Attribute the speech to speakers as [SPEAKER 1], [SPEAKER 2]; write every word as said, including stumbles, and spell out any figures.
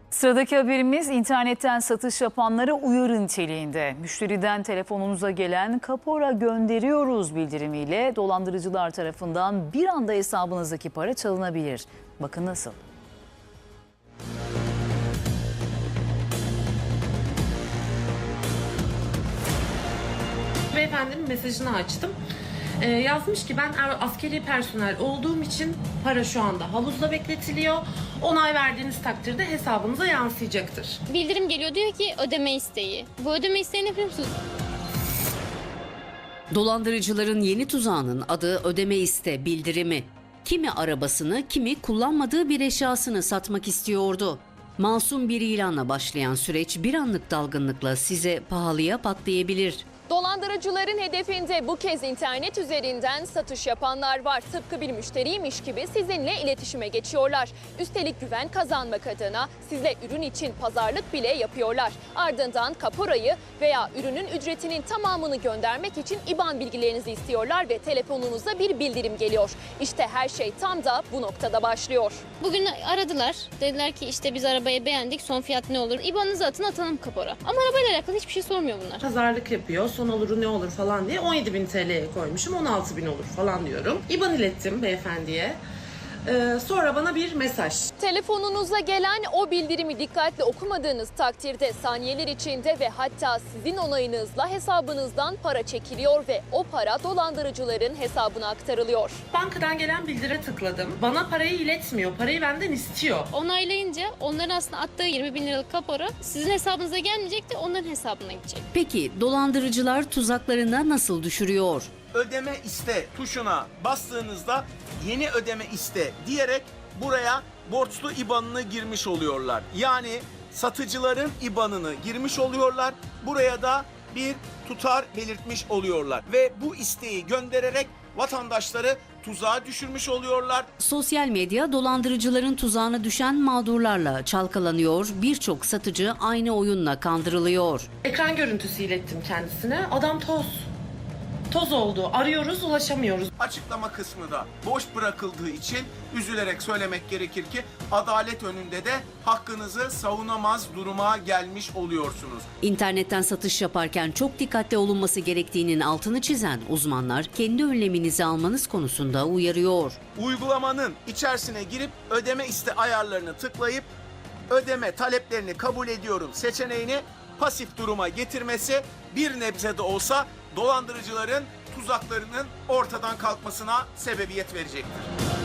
[SPEAKER 1] Sıradaki haberimiz internetten satış yapanlara uyarı niteliğinde. Müşteriden telefonunuza gelen kapora gönderiyoruz bildirimiyle dolandırıcılar tarafından bir anda hesabınızdaki para çalınabilir. Bakın nasıl?
[SPEAKER 2] Beyefendinin mesajını açtım. Ee, yazmış ki ben askeri personel olduğum için para şu anda havuzda bekletiliyor. Onay verdiğiniz takdirde hesabınıza yansıyacaktır.
[SPEAKER 3] Bildirim geliyor, diyor ki ödeme isteği. Bu ödeme isteği ne biliyor musunuz?
[SPEAKER 4] Dolandırıcıların yeni tuzağının adı ödeme iste bildirimi. Kimi arabasını, kimi kullanmadığı bir eşyasını satmak istiyordu. Masum bir ilanla başlayan süreç bir anlık dalgınlıkla size pahalıya patlayabilir.
[SPEAKER 5] Dolandırıcıların hedefinde bu kez internet üzerinden satış yapanlar var. Tıpkı bir müşteriymiş gibi sizinle iletişime geçiyorlar. Üstelik güven kazanmak adına sizle ürün için pazarlık bile yapıyorlar. Ardından kaporayı veya ürünün ücretinin tamamını göndermek için İ B A N bilgilerinizi istiyorlar ve telefonunuza bir bildirim geliyor. İşte her şey tam da bu noktada başlıyor.
[SPEAKER 3] Bugün aradılar. Dediler ki işte biz arabayı beğendik, son fiyat ne olur? İ B A N'ınızı atın, atalım kapora. Ama arabayla alakalı hiçbir şey sormuyor bunlar.
[SPEAKER 2] Pazarlık yapıyor, son oluru ne olur falan diye on yedi bin T L'ye koymuşum, on altı bin olur falan diyorum. İ B A N ilettim beyefendiye. Ee, sonra bana bir mesaj.
[SPEAKER 5] Telefonunuza gelen o bildirimi dikkatli okumadığınız takdirde saniyeler içinde ve hatta sizin onayınızla hesabınızdan para çekiliyor ve o para dolandırıcıların hesabına aktarılıyor.
[SPEAKER 2] Bankadan gelen bildire tıkladım. Bana parayı iletmiyor, parayı benden istiyor.
[SPEAKER 3] Onaylayınca onların aslında attığı yirmi bin liralık kapora sizin hesabınıza gelmeyecek de onların hesabına gidecek.
[SPEAKER 4] Peki dolandırıcılar tuzaklarında nasıl düşürüyor?
[SPEAKER 6] Ödeme iste tuşuna bastığınızda yeni ödeme iste diyerek buraya borçlu İ B A N'ını girmiş oluyorlar. Yani satıcıların İ B A N'ını girmiş oluyorlar. Buraya da bir tutar belirtmiş oluyorlar ve bu isteği göndererek vatandaşları tuzağa düşürmüş oluyorlar.
[SPEAKER 4] Sosyal medya dolandırıcıların tuzağına düşen mağdurlarla çalkalanıyor, birçok satıcı aynı oyunla kandırılıyor.
[SPEAKER 2] Ekran görüntüsü ilettim kendisine. Adam toz. Toz oldu. Arıyoruz, ulaşamıyoruz.
[SPEAKER 6] Açıklama kısmı da boş bırakıldığı için üzülerek söylemek gerekir ki adalet önünde de hakkınızı savunamaz duruma gelmiş oluyorsunuz.
[SPEAKER 4] İnternetten satış yaparken çok dikkatli olunması gerektiğinin altını çizen uzmanlar kendi önleminizi almanız konusunda uyarıyor.
[SPEAKER 6] Uygulamanın içerisine girip ödeme iste ayarlarını tıklayıp ödeme taleplerini kabul ediyorum seçeneğini pasif duruma getirmesi bir nebze de olsa dolandırıcıların tuzaklarının ortadan kalkmasına sebebiyet verecektir.